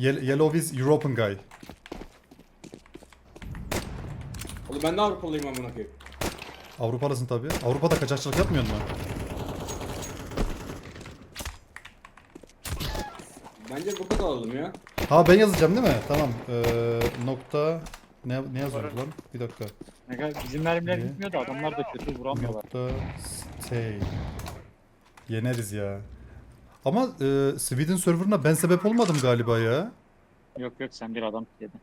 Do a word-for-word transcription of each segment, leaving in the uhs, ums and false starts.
Ye- Yellow is European guy. Oğlum ben de Avrupalıyım amına koyayım. Avrupalısın tabi. Avrupa'da kaçakçılık yapmıyorsun mu? Bence bu kadar alalım ya. Ha ben yazacağım değil mi? Tamam. Ee, nokta ne ne yazıyoruz lan? Bir dakika. Ne bizim mermiler Ne? gitmiyor da adamlar da kötü vuramıyorlar. Nokta stay. Yeneriz ya. Ama e, Sweden serverına ben sebep olmadım galiba ya. Yok yok sen bir adam yedin.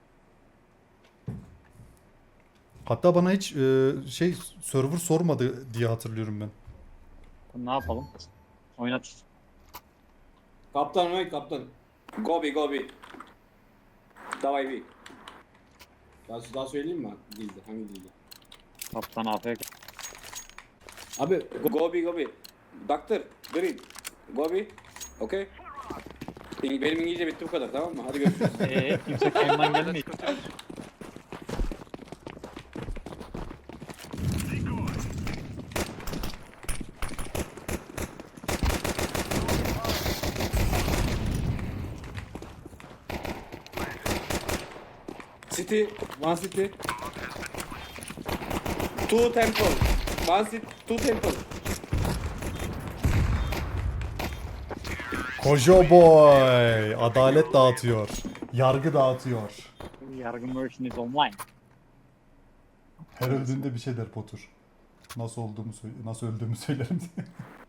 Hatta bana hiç e, şey server sormadı diye hatırlıyorum ben. Ne yapalım? Oynat. Kaptan oy kaptan. Gobi gobi. Davay bir. Daha, daha söyleyeyim mi? Dilde. Hangi dilde? Kaptan A F K. Abi go- gobi gobi. Doctor. Green. Gobi. Okay. İng- Benim İngilizce bitti bu kadar tamam mı? Hadi görüşürüz. Eee kimse kendinden gelmiyor. City. One city. Two temple. One city. Two temple. Kojo boy. Adalet dağıtıyor. Yargı dağıtıyor. Yargı version is online. Her öldüğünde bir şey der Potur. Nasıl olduğumu söyle, nasıl öldüğümü söylerim diye.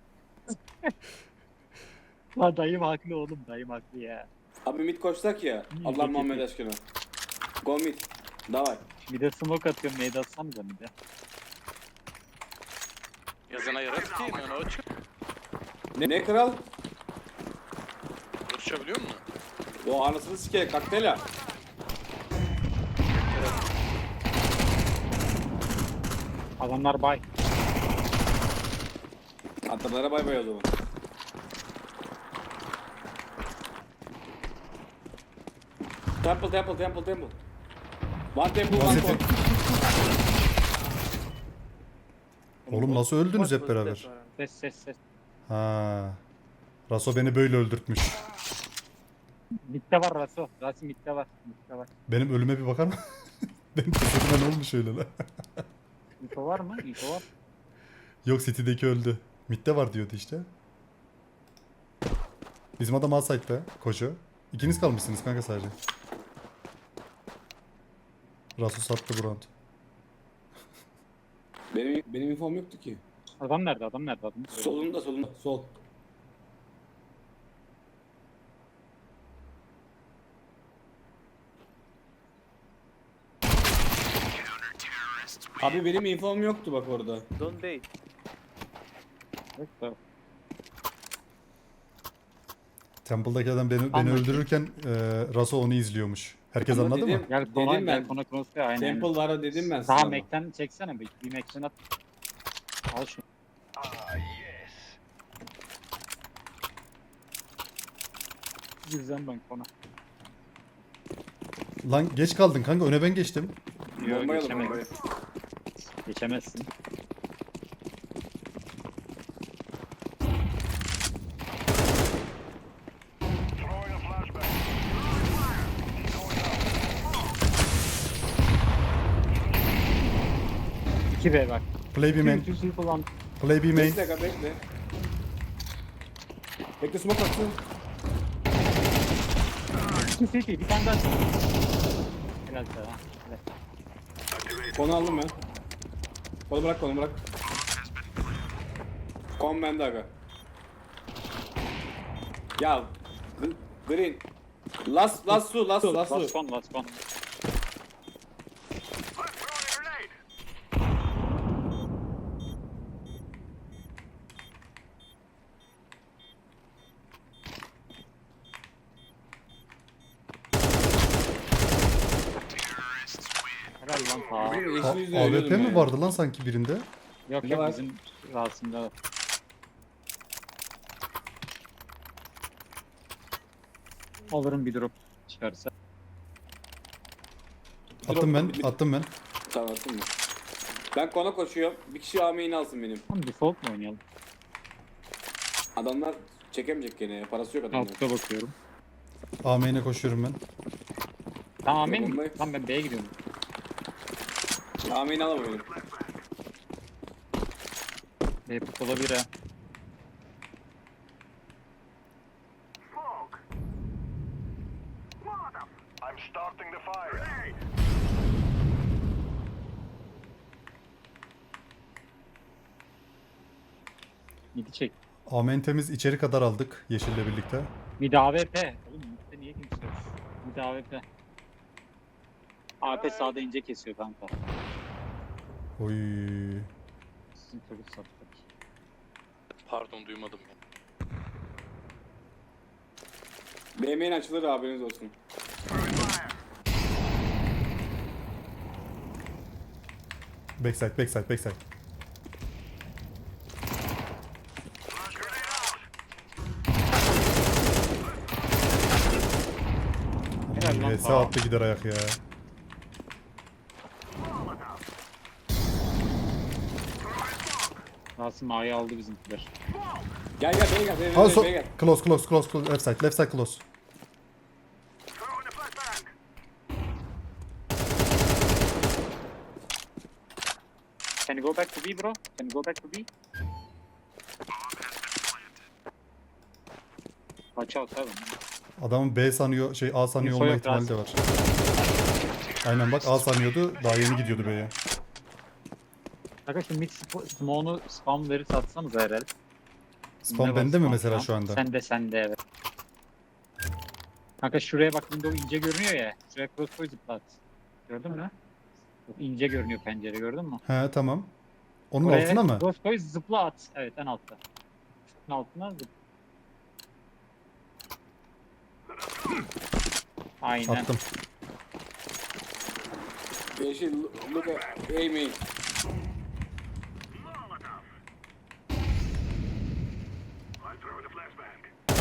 La dayım haklı oğlum dayım haklı ya. Abi mid koşsak ya. İyi, Allah iyi, Muhammed iyi. aşkına. Go mid. Davay. Bir de smoke atıyorum neydi atsanıza bir de. Yazana yarar ki yani o açık. Ne, ne kral? Konuşabiliyor musun? O anasını sikeye kaktela. Adamlar bay. Atlarlara bay bay o zaman. Temple temple temple temple. One temple one Nasıl- temple. Oğlum nasıl öldünüz hep beraber? Ses ses ses. Ha. Raso beni böyle öldürtmüş. Mitte var Raso. Rasim mitte var. Mitte var. Benim ölüme bir bakar mı? Benim cesedime ne olmuş öyle lan? Info var mı? Info var. Yok City'deki öldü. Mid'de var diyordu işte. Bizim adam outside'da. Koşu. İkiniz kalmışsınız kanka sadece. Raso sattı bu round. Benim benim infom yoktu ki. Adam nerede? Adam nerede? Adam Solunda solunda sol. Abi benim infom yoktu bak orada. Don't bait. Yok da. Temple'daki adam beni, beni Anladım. öldürürken e, Raso onu izliyormuş. Herkes Ama anladı dedim- mı? Gel kona Dedim gel ben. kona cross'ta aynen. Temple var dedim ben Daha sana. Mac'ten çeksene bir. Bir Mac'ten at. Al şunu. Güzel ben kona. Lan geç kaldın kanka, öne ben geçtim. Yok Bombayı alın, geçemez. bombayı. Geçemezsin. iki B bak. Play B main. Two people on. Play B main. Bekle kanka bekle. Bekle smoke atsın. Two city bir tane daha. Helal sana. Helal. Konu aldım ben. Konu bırak konu bırak. Kon bende aga. Ya G- Green. Last last su last su last Last su. one last one. Helal lan ta. Green A- yeşil yüzle A W ölüyordum P mi ya. vardı lan sanki birinde? Yok Ne yok var? bizim Rasim'de var. Alırım bir drop çıkarsa. Attım ben, attım ben. Tamam attın mı? Ben kona koşuyorum. Bir kişi A main'i alsın benim. Tamam default mu oynayalım? Adamlar çekemeyecek gene ya. Parası yok adamların. Altta bakıyorum. A main'e koşuyorum ben. Tamam amin Bombayı- mi? Tamam ben B'ye gidiyorum. Amin alamıyorum. B put olabilir ha. I'm starting the fire. Midi çek. A main temiz, içeri kadar aldık yeşille birlikte. Mid A W P. Oğlum midde niye kimse yok? Mid A W P. A P sağda ince kesiyor kanka. Oy. Sizin çocuk sattık. Pardon duymadım ya. B main açılır haberiniz olsun. Backside, backside, backside. Helal lan. Ee, sağ attı gider ayak ya. Rasim A'yı aldı bizimkiler. Gel gel B'ye gel. B'ye Ha, gel. so B'ye gel. close, close, close, close, left side, left side close. Throwing a flashbang. Can you go back to B bro? Can you go back to B? Watch out abi. Adamın B sanıyor, şey A sanıyor Info olma yok, ihtimali de var. Aynen bak A sanıyordu, daha yeni gidiyordu B'ye. Kanka şu mid sp- smoke'unu spam verir satsanız herhalde. Spam Ne var bende mi spam mesela spam? şu anda? Sende sende evet. Kanka şuraya bak window ince görünüyor ya. Şuraya crossbow zıplat. Gördün mü? Çok ince görünüyor pencere gördün mü? He tamam. Onun Oraya altına mı? crossbow zıpla at. Evet en altta. Şunun altına zıp. Aynen. Attım. Yeşil look at A main. I'm throwing a flashbang.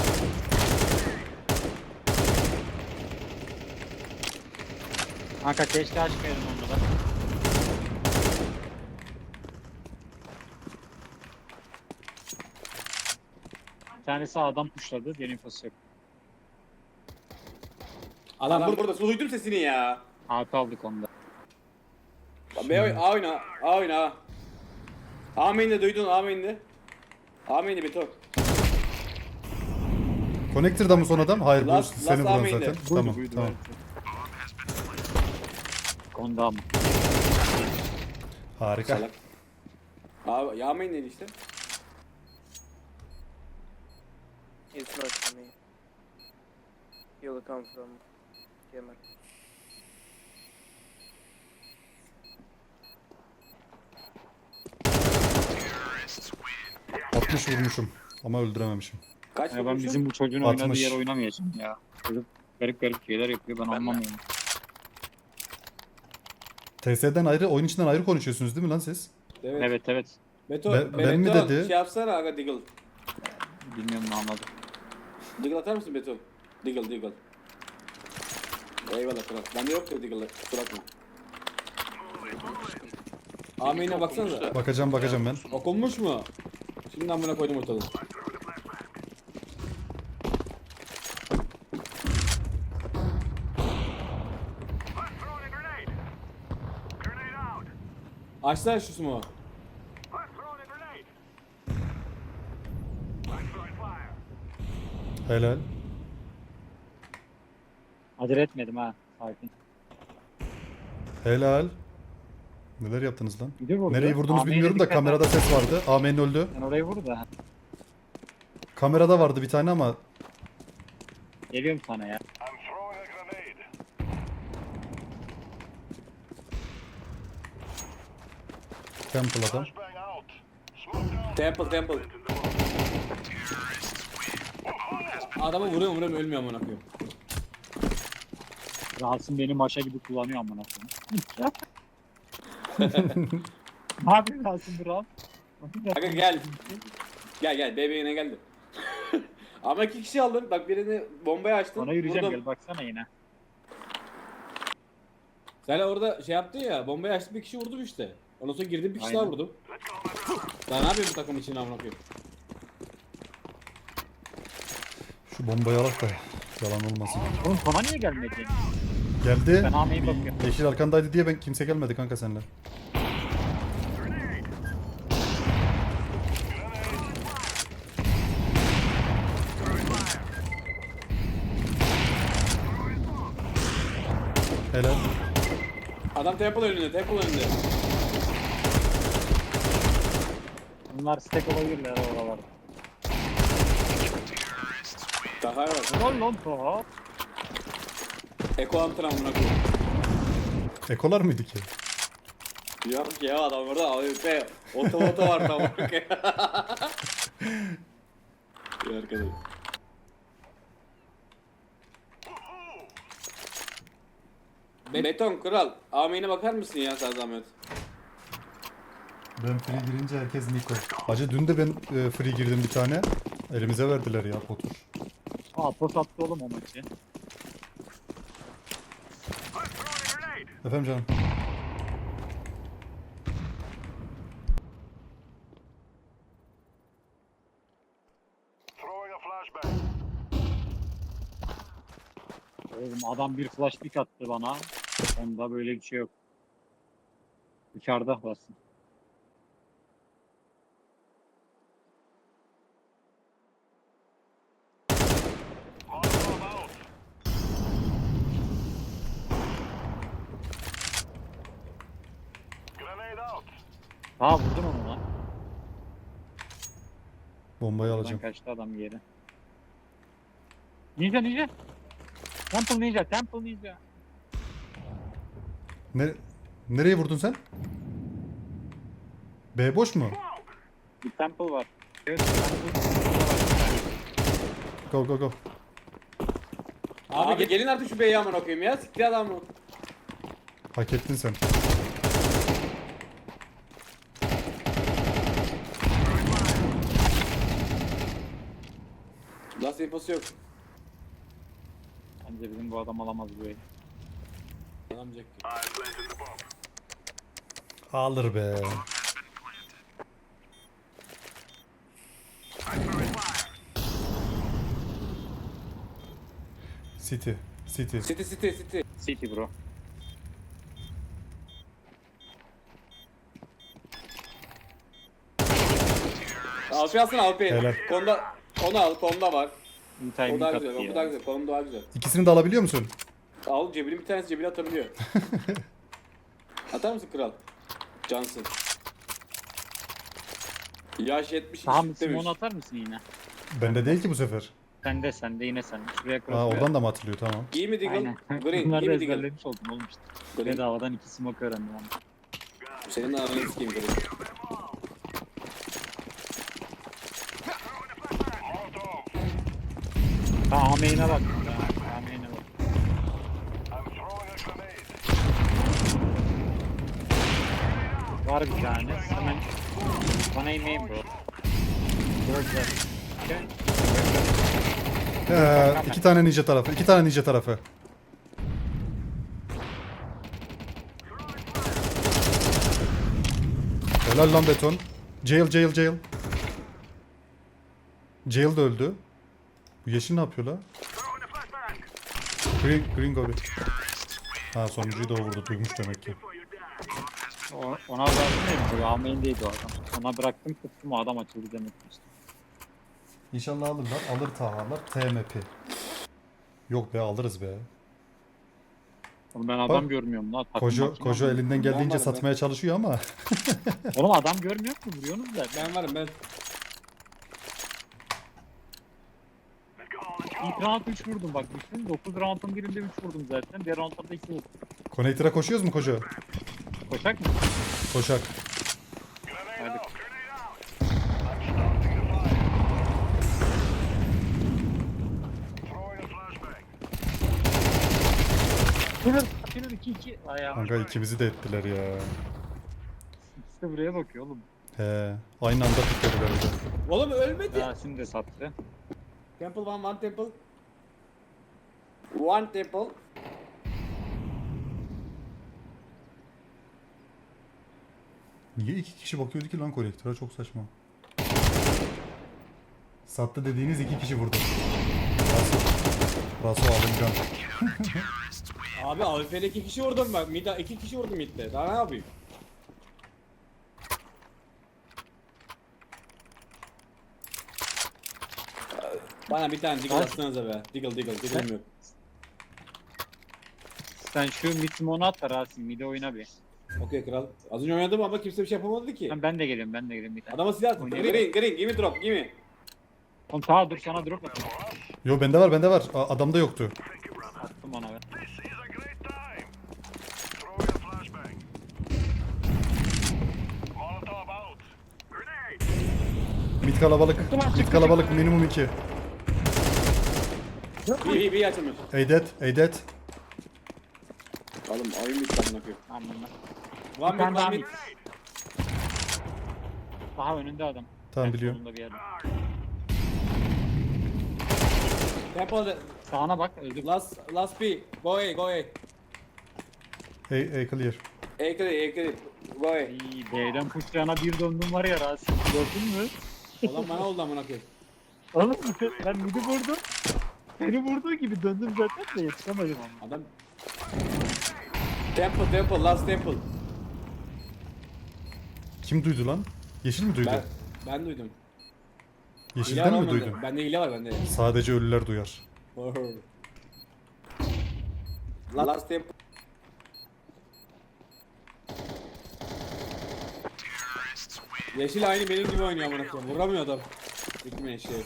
Kanka keşke açmayalım onu da. Bir tanesi adam pushladı, diğer infosu yok. Adam, burada burada. Duydum sesini ya. A P aldık onda. B oyna, A oyna, A oyna. A. A main'de duydun, A main'de. A main'de Beto. Connector'da mı son adam? Hayır bu Last- seni last vuran A main'de. zaten. Buydu, Tamam buydu, tamam. evet. Konda mı? Harika. Salak. A, ya main'deydi işte. It's not for me. You'll come from Yemen. altmış vurmuşum ama öldürememişim. Kaç Ya ben vurmuşsun? bizim bu çocuğun altmış. oynadığı yer oynamayacağım ya. Çocuk garip garip şeyler yapıyor ben Ben de. anlamıyorum. T S'den ayrı, oyun içinden ayrı konuşuyorsunuz değil mi lan siz? Evet. Evet evet. Beto, Ben- Beto, ben mi dedi? Şey yapsana aga Diggle. Bilmiyorum ne anladım. Diggle atar mısın Beto? Diggle, Diggle. Eyvallah kral. Bende yok ya Diggle'ı. Kusura bakma. A main'e baksanıza. Bakacağım bakacağım ben. Okunmuş mu? Şimdi amına koydum ortalığı. I'm throwing a grenade. Grenade out. Açsana şu smoke'u. I'm throwing a grenade. I'm throwing fire. Helal. Acele etmedim ha. Sakin. Helal. Neler yaptınız lan? Bir de vurdu. Nereyi vurdunuz A main'e bilmiyorum da dikkat et. kamerada ses vardı. Amen öldü. Ben orayı vur da. Kamerada vardı bir tane ama Geliyorum sana ya. I'm throwing a grenade. Temple adam. Flashbang out. Smoke down. Temple, Temple. Adamı vuruyorum vuruyorum ölmüyor amına koyayım. Rasim beni maşa gibi kullanıyor amına koyayım. Ne yapıyorsun Rasim bu Ram? Aga gel. Gel gel bebeğine geldi. Ama iki kişi aldın. Bak birini bombaya açtın. Ona yürüyeceğim vurdum. gel baksana yine. Sen orada şey yaptın ya bombayı açtın bir kişi vurdum işte. Ondan sonra girdim bir kişi Aynen. daha vurdum. Daha ne yapayım bu takım için amına koyayım? Şu bombayı alak da Yalan olmasın. Oğlum kona niye gelmedi? Geldi. Ben Ame'ye bakıyorum. Yeşil arkandaydı diye ben kimse gelmedi kanka seninle. Helal. Adam temple önünde, temple önünde. Bunlar stack olabilirler oralarda. Daha var. Lol lol to. Eko antren amına koyayım. Ekolar mıydı ki? Yok ya adam burada A W P otomoto var tam. İyi arkadaş. Be- Beton kral. Amine bakar mısın ya sen zahmet? Ben free girince herkes Niko. Hacı dün de ben e, free girdim bir tane. Elimize verdiler ya potur. Aa pos attı oğlum o maçı. I'm throwing a grenade. Efendim canım. Throwing a flashbang. Oğlum adam bir flash pick attı bana. Onda böyle bir şey yok. Dışarıda basın. Molotov out. Grenade out. Ha vurdun onu lan. Bombayı Buradan alacağım. kaçtı adam yere. Ninja ninja. Temple ninja, temple ninja. Ne, nereye vurdun sen? B boş mu? Bir temple var. Evet, temple. Go go go. Abi, Abi gelin artık şu beyi amına koyayım ya. Siktir adamı. Hak ettin sen. Last infosu yok. Bence bizim bu adam alamaz bu evi. Alamayacak ki. I planted the bomb. Alır be. I'm throwing fire. City. City. City city city. City bro. A W P alsana A W P. Helal. Konda onu al, konda var. Bir O timing daha attı güzel, o ya. daha güzel, konum daha güzel. İkisini de alabiliyor musun? Al cebinin bir tanesi cebine atabiliyor. Atar mısın kral? Cansın. Yaş yetmiş Tamam demiş. Simon atar mısın yine? Bende değil ki bu sefer. Sende sende yine sen. Şuraya cross Aa koy. oradan da mı atılıyor tamam. Giy mi Deagle? Aynen. Green, Bunları giy da mi Deagle? ezberlemiş oldum oğlum işte. Green. Bedavadan iki smoke öğrendim ama. Senin de ananı sikeyim Green. Molotov. Ha ameyine bak. Ha, ameyine bak. I'm throwing a grenade. Var bir tane. Hemen bana inmeyin bro. Bro güzel. Okay. Ee, iki tane ninja tarafı. iki tane ninja tarafı. Helal lan beton. Jail jail jail. Jail de öldü. Bu yeşil ne yapıyor la? Throwing a flashbang. Green, green gobi. Ha sonuncuyu da o vurdu. Duymuş demek ki. Before you die. O, ona bıraktım ya. Ameyindeydi o adam. Ona bıraktım tuttum o adam açıldı demek ki işte. İnşallah alırlar. Alır Tahalar. T M P. Yok be alırız be. Oğlum ben adam Bak, görmüyorum lan. Takım Kojo, makine Kojo var. elinden geldiğince Vallahi be. satmaya çalışıyor ama. Oğlum adam görmüyor mu? Vuruyorsunuz da. Ben varım ben. Let's go, let's go. İlk round üç vurdum bak düşün. dokuz round'un birinde üç vurdum zaten. Diğer round'da da iki vurdum. Connector'a koşuyoruz mu Kojo? Koşak mı? Koşak. Grenade Hadi. out. Grenade out. I'm starting the fire. Throwing a flashbang. Killer, killer iki iki. Ayağı. Kanka ikimizi de ettiler ya. İkisi de buraya bakıyor oğlum. He. Aynı anda piklediler bir de. Oğlum ölmedi. Yasin de sattı. Temple one, one temple. One temple. Niye iki kişi bakıyordu ki lan kolektöre? Çok saçma. Sattı dediğiniz iki kişi vurdu. Nasıl? Raso alıncan. Abi A W P'de iki kişi vurdum bak. Mid'e iki kişi vurdum mid'de. Daha ne yapayım? Bana bir tane Deagle Kaç? atsanıza be. Deagle Deagle Deagle'ım yok. Sen şu mid smoke'unu at da Rasim. Mid'e oyna bir. Okey kral. Az önce oynadım ama kimse bir şey yapamadı ki. Ben, ben de geliyorum ben de geliyorum bir tane. Adama silah attı. Oynayalım. Green green give me drop give me. Oğlum tamam dur sana drop atayım. Yo bende var bende var. A- adamda yoktu. Attım ona ben. This is a great time. Throwing a flashbang. Molotov out. Grenade. Mid kalabalık. Mid kalabalık minimum iki. Bir bir bir açılmış. Eydet, Eydet. Oğlum oyun bitti amına koyayım. Tamam ben. One Bir tane mid daha one mid. mid. Daha önünde adam. Tamam En biliyorum. solunda bir yerde. Temple Sağına bak öldü. last last B. Go away go away. Ey, ey clear. A clear A clear. Go away. İyi B'den pushlayana bir döndüm var ya Rasim. Gördün mü? Ulan bana oldu amına koyayım. Oğlum ben midi vurdum. Beni vurduğu gibi döndüm zaten de yetişemedim ama. Adam Temple temple last temple. Kim duydu lan? Yeşil mi duydu? Ben ben duydum. Hile var Yeşilden mi olmadı. duydun? Bende hile var bende. Sadece ölüler duyar. Last temple. Yeşil aynı benim gibi oynuyor amına koyayım. Vuramıyor adam. Gitme şey.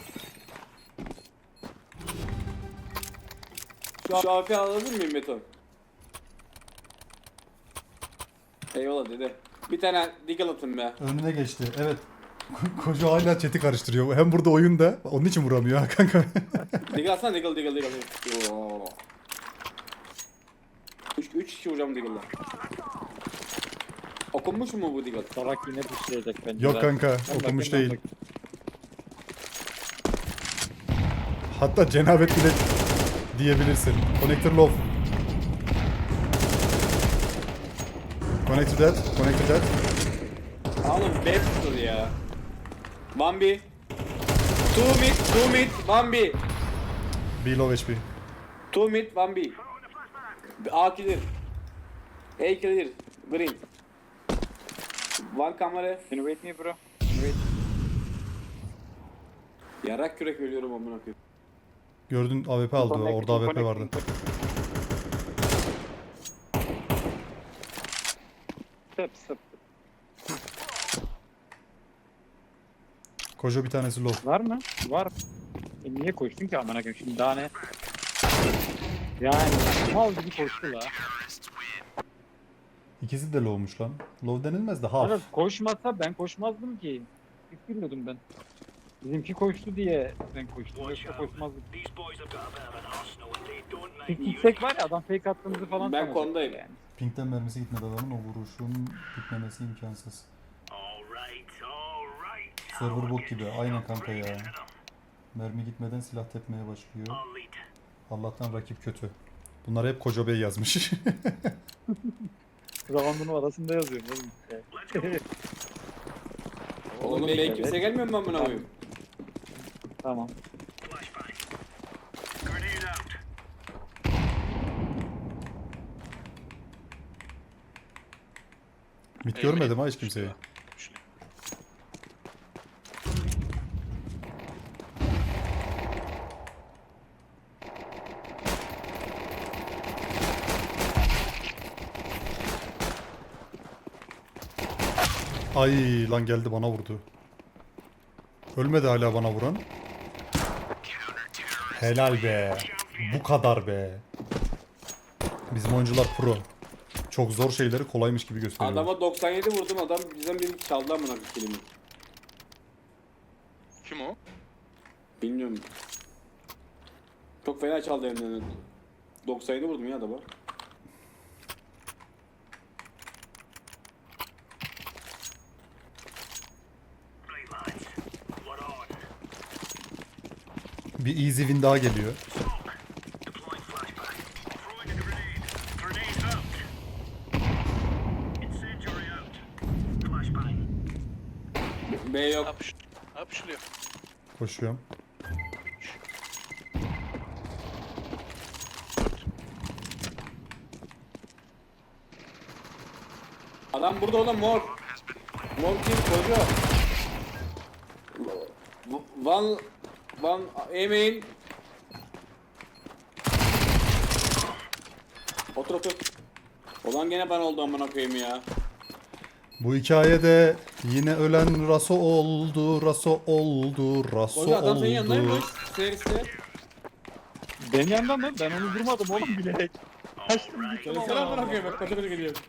Şu A W P alabilir miyim Beton? Eyvallah dede. Bir tane Deagle atın be. Önüne geçti. Evet. Koca hala chat'i karıştırıyor. Hem burada oyunda. Onun için vuramıyor ha kanka. Deagle atsana Deagle Deagle Deagle. Oo. Üç, üç kişi vuracağım Deagle'la. Okunmuş mu bu Deagle? Salak yine pushlayacak bence. Yok Rasim. kanka. Ben Okumuş bakayım, ben değil. Hatta cenabet bile diyebilirsin. Connector low. Connect to that. Connect to that. Oğlum B tuttu ya. One B. Two mid, two mid, one B. B low H P. Two mid, one B. A clear. A clear. Green. One camera. Can you wait me bro? Can you wait? Yarak kürek ölüyorum amına koyayım. Gördün A W P aldı. Connect- Orada A W P vardı. connecting. Step step. Koca bir tanesi low. Var mı? Var. E niye koştun ki amına koyayım şimdi daha ne? Yani mal gibi koştu la. İkisi de low'muş lan. Low denilmez de half. Evet koşmasa ben koşmazdım ki. Hiç bilmiyordum ben. Bizimki koştu diye ben koştum. Yoksa koşmazdım. These boys have got a bit of an arsenal and they don't Pik mind gitsek var ya adam fake attığımızı falan Ben sanacak kondayım. yani. Pink'ten mermisi gitmedi adamın. O vuruşun gitmemesi imkansız. Alright, alright. Server bok gibi. Aynen kanka ya. Mermi gitmeden silah tepmeye başlıyor. I'll lead. Allah'tan rakip kötü. Bunlar hep Koca Bey yazmış. Zavandının arasında yazıyorum oğlum. Oğlum B kimse gelmiyor mu amına koyayım? Tamam. Flashbang. Grenade out. Mit görmedim ha hiç kimseyi. Ay lan geldi bana vurdu. Ölmedi hala bana vuran. Helal be. Bu kadar be. Bizim oyuncular pro. Çok zor şeyleri kolaymış gibi gösteriyor. Adama doksan yedi vurdum adam bizden biri çaldı amına koyayım kelimi. Kim o? Bilmiyorum. Çok fena çaldı elimden. doksan yedi vurdum ya adama. Right lads, we're on. Bir easy win daha geliyor. Deploying flashbang. Throwing a grenade. Grenade out. Incendiary out. Flashbang. B yok. Yapış. Yapışılıyor. Koşuyorum. Adam burada oğlum mor. Mor kim? Koca. Van... Van... Emeğin. Otur otur. Olan gene ben oldu amına koyayım ya. Bu hikayede yine ölen Raso oldu, Raso oldu, Raso Koca adam senin oldu. yanındaymış. Seriste. Benim yanımdan mı? Ben onu vurmadım oğlum bilerek. Kaçtım gittim. Söylesene amına koyayım bak koca koca gidiyor.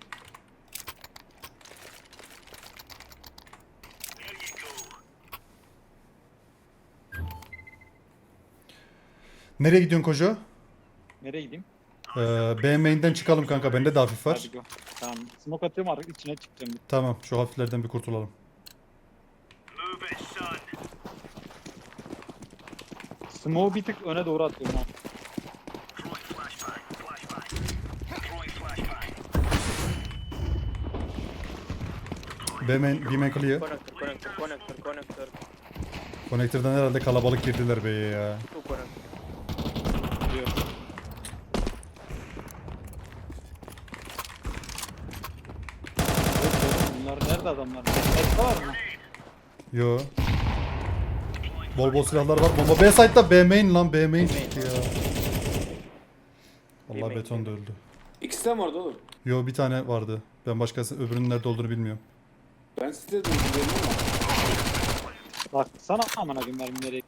Nereye gidiyorsun Kojo? Nereye gideyim? Ee, B main'den çıkalım kanka. Bende de hafif var. Hadi go. Tamam. Smoke atıyorum artık içine çıkacağım. Tamam, şu hafiflerden bir kurtulalım. Move it, son. Smoke'u bir tık öne doğru atıyorum ha. Throwing flashbang. Flashbang. Throwing flashbang. B main, B main clear. Connector, connector, connector, connector. Connector'dan herhalde kalabalık girdiler B'ye ya. Two connector. Diyor. Bunlar nerede adamlar? Hepsi var mı? Yo. Bol bol silahlar var. Bomba B site'da, B main lan, B main çıktı ya. B Allah main, beton B da öldü. İkisi de mi vardı oğlum? Yo, bir tane vardı. Ben başkası öbürünün nerede olduğunu bilmiyorum. Ben size dedim dedim ama. Bak sana amına koyayım mermi nereye?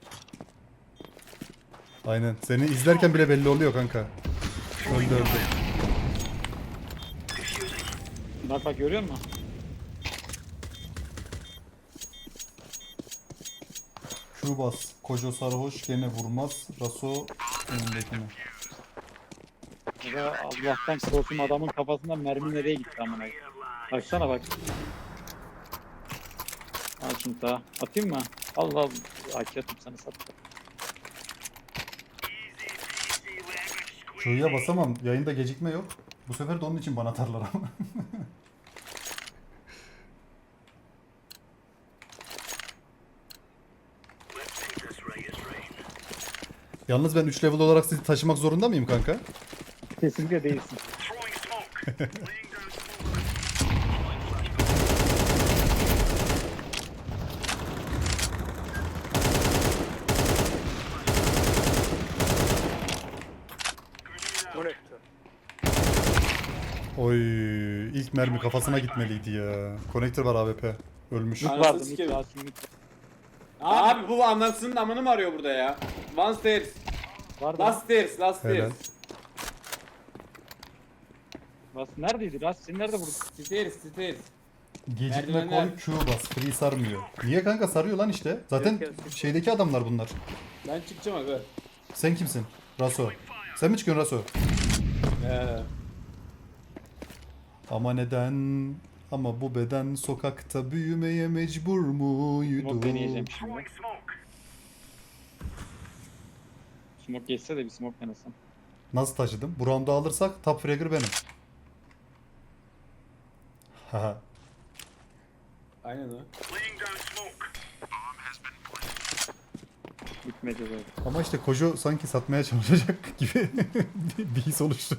Aynen. Seni izlerken bile belli oluyor kanka. Öldü öldü. Bak bak görüyor musun? Q bas. Kojo sarhoş gene vurmaz. Raso önündekine. Ya Allah'tan korktum adamın kafasından mermi nereye gitti amına koyayım. Baksana bak. Al şunu daha. Atayım mı? Allah Allah. Aki atayım sana sat. Q'ya basamam. Yayında gecikme yok. Bu sefer de onun için bana atarlar ama. Yalnız ben üç level olarak sizi taşımak zorunda mıyım kanka? Kesinlikle değilsin. Throwing smoke. Laying down smoke. Connector. Oy, ilk mermi kafasına gitmeliydi ya. Connector var A W P. Ölmüş. Anasını Vardı mid sikerim. var mid Abi bu anasının amını mı arıyor burada ya? One stairs. var. Last stairs. Last Helal. stairs. Ras neredeydi? Ras seni nerede vurdun? Stairs. Stairs. Gecikme Merdivenler. koy, Q bas. Free sarmıyor. Niye kanka, sarıyor lan işte. Zaten Yok, yok, yok. şeydeki adamlar bunlar. Ben çıkacağım aga. Sen kimsin? Raso. Sen mi çıkıyorsun Raso? Ee, Ama neden? Ama bu beden sokakta büyümeye mecbur muydu? Smoke deneyeceğim şimdi. Throwing smoke. Smoke geçse de bir smoke denesem. Nasıl taşıdım? Bu round'u alırsak top fragger benim. Haha. aynen o. Laying down smoke. Bitmedi zaten. Ama işte Kojo sanki satmaya çalışacak gibi bir- bir his oluştu.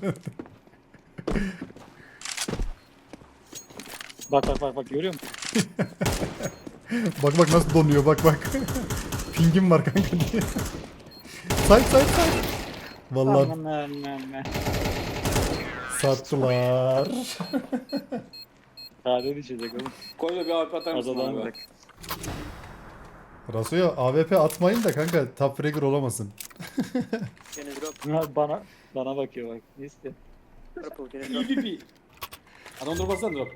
Bak bak bak bak görüyor musun? Bak bak nasıl donuyor, bak bak. Pingim var kanka diye. Say say say. Vallahi Aman aman aman. sattılar. Sade düşecek oğlum. Koyla bir A W P atar mısın Azadan bana bırak. be? Raso'ya A W P atmayın da kanka top fragger olamasın. Can you drop? Ha, Bana bana bakıyor bak. Ne istiyor? Purple, can you E drop? V P. Adam dur bassana drop.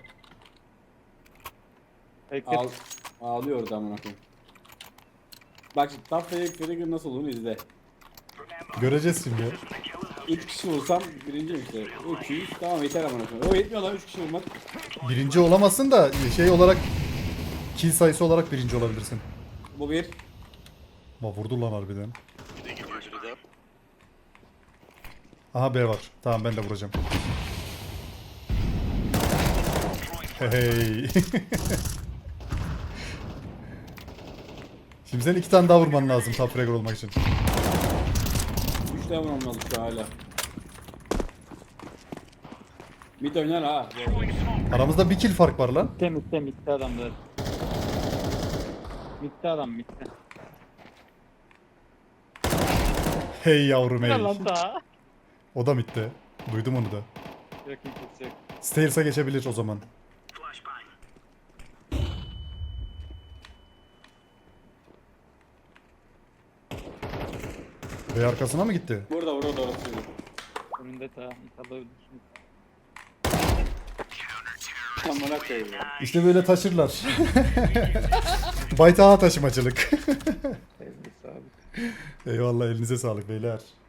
Bekle. Ağl ağlıyor orada amına koyayım. Bak şimdi top fake trigger nasıl olur izle. Göreceğiz şimdi. üç kişi vursam birinciyim işte. üç yüz tamam yeter amına koyayım. O yetmiyor lan üç kişi vurmak. Birinci olamazsın da şey olarak, kill sayısı olarak birinci olabilirsin. Bu bir. Ama vurdu lan harbiden. Bir de gidiyor biri daha. Aha B var. Tamam, ben de vuracağım. Hey. Şimdi sen iki tane daha vurman lazım top fragger olmak için. üç tane vurmam lazım şu hala. Mid oynar ha. bu arada. Throwing smoke. Aramızda bir kill fark var lan. Mitte mitte mitte adamlar. Mitte adam mitte. Hey yavrum Ne hey. lan daha? O da bitti. Duydum onu da. Yok kimse yok. Stairs'a geçebilir o zaman. Flashbang. Bey arkasına mı gitti? Burada burada orası. Önünde ta. İnşallah öldürsün. Amına koyayım ya. İşte böyle taşırlar. Baytaha taşımacılık. Elbise abi. Eyvallah elinize sağlık beyler.